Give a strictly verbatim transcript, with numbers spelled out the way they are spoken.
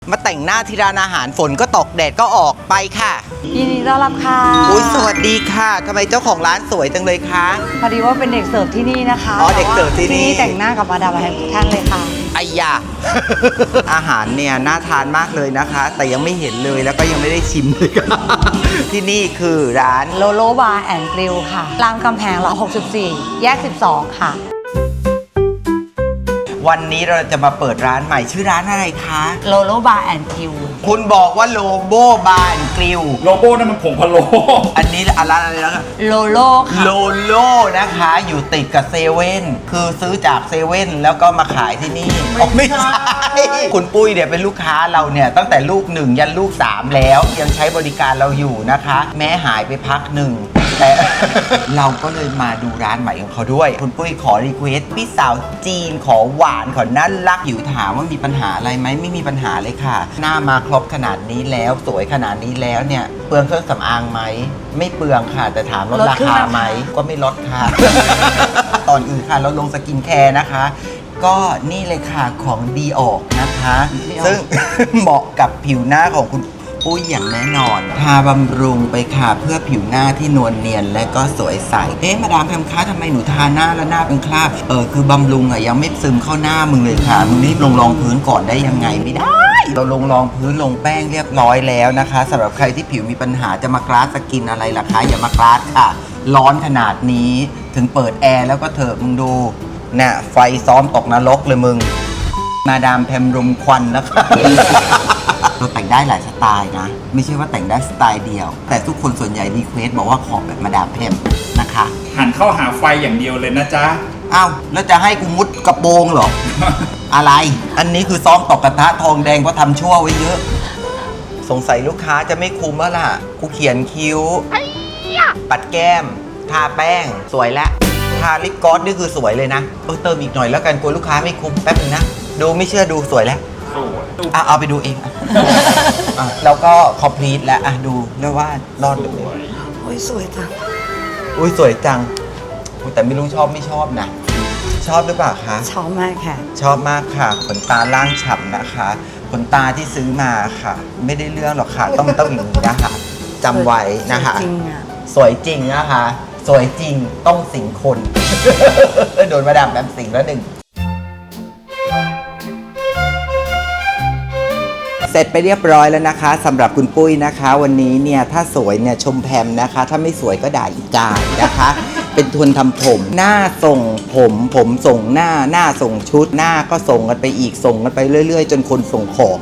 มาแต่งหน้าที่ร้านอาหารฝนก็ตกแดดก็ออกไปค่ะยินดีต้อนรับค่ะอุ้ยสวัสดีค่ะทำไมเจ้าของร้านสวยจังเลยคะพอดีว่าเป็นเด็กเสิร์ฟที่นี่นะคะอ๋อเด็กเสิร์ฟที่นี่ที่นี่แต่งหน้ากับมาดามแฮมทุกท่านเลยค่ะไอ้ยา อาหารเนี่ยน่าทานมากเลยนะคะ แต่ยังไม่เห็นเลยแล้วก็ยังไม่ได้ชิมเลยค่ะ ที่นี่คือร้านโลโลบาร์แอนด์กริลค่ะรามคำแหงหลังหกสิบสี่แยกสิบสองค่ะวันนี้เราจะมาเปิดร้านใหม่ชื่อร้านอะไรคะโลโลบาร์แอนด์กริลคุณบอกว่าโลโบบาร์กริลโลโก้นั่นมันผงพะโล้อันนี้อะไรอะไรแล้วโลโลค่ะโลโลนะคะอยู่ติดกับเซเว่นคือซื้อจากเซเว่นแล้วก็มาขายที่นี่ไม่ใช่คุณปุ้ยเนี่ยเป็นลูกค้าเราเนี่ยตั้งแต่ลูกหนึ่งยันลูกสามแล้วยังใช้บริการเราอยู่นะคะแม้หายไปพักหนึ่งแต่ เราก็เลยมาดูร้านใหม่ของเขาด้วยคุณปุ้ยขอรีเควสพี่สาวจีนขอหวานขอน่ารักอยู่ถามว่ามีปัญหาอะไรไหมไม่มีปัญหาเลยค่ะหน้ามาครบขนาดนี้แล้วสวยขนาดนี้แล้วเนี่ยเปลืองเครื่องสำอางไหมไม่เปลืองค่ะแต่ถามลดราคาไหมก็ไม่ลดค่ะ ตอนอื่นค่ะเราลงสกินแคร์นะคะก็นี่เลยค่ะของดีออกนะคะซึ่ง เหมาะกับผิวหน้าของคุณปุ้ยอย่างแน่นอนทาบำรุงไปค่ะเพื่อผิวหน้าที่นวลเนียนและก็สวยใสเอ๊ะมาดามแพมคะทำไมหนูทาหน้าแล้วหน้าเป็นคราบเออคือบำรุงอะยังไม่ซึมเข้าหน้ามึงเลยค่ะมึงรีบลงรองพื้นก่อนได้ยังไงไม่ได้เราลงรองพื้นลงแป้งเรียบร้อยแล้วนะคะสำหรับใครที่ผิวมีปัญหาจะมากราสสกินอะไรล่ะคะอย่ามากราสค่ะร้อนขนาดนี้ถึงเปิดแอร์แล้วก็เถอะมึงดูน่ะไฟซ้อมตกนรกเลยมึงมาดามแพมรมควันแล้วค่ะ เราแต่งได้หลายสไตล์นะไม่ใช่ว่าแต่งได้สไตล์เดียวแต่ทุกคนส่วนใหญ่รีเควสบอกว่าขอแบบมาดามแพมนะคะหันเข้าหาไฟอย่างเดียวเลยนะจ๊ะอ้าวแล้วจะให้กูมุดกระโปรงเหรอ อะไรอันนี้คือซ้อมตอกกระทะทองแดงเพราะทำชั่วไว้เยอะสงสัยลูกค้าจะไม่คุ้มแล้วล่ะกูเขียนคิ้วปัดแก้มทาแป้งสวยแล้วทาลิปกลอสนี่คือสวยเลยนะเออเติมอีกหน่อยแล้วกันกลัวลูกค้าไม่คุ้มแป๊บนึงนะดูไม่เชื่อดูสวยแล้วอ่ะเอาไปดูเองอ่ะแล้วก็คอมพลีทแล้วอ่ะดูแล้วว่ารอดเลยโอ้ยสวยจังอุ้ยสวยจังแต่ไม่รู้ชอบไม่ชอบนะชอบหรือเปล่าคะชอบมากค่ะชอบมากค่ะขนตาล่างฉ่ำนะคะขนตาที่ซื้อมาค่ะไม่ได้เรื่องหรอกค่ะต้องต้องอย่างนี้นะคะจำไว้นะคะจริงอ่ะสวยจริงนะคะสวยจริงต้องสิงคน โดนมาดามแบบสิงแล้วหนึ่งเสร็จไปเรียบร้อยแล้วนะคะสำหรับคุณปุ้ยนะคะวันนี้เนี่ยถ้าสวยเนี่ยชมแพมนะคะถ้าไม่สวยก็ด่าอีกายนะคะ เป็นทุนทำผมหน้าส่งผมผมส่งหน้าหน้าส่งชุดหน้าก็ส่งกันไปอีกส่งกันไปเรื่อยๆจนคนส่งของ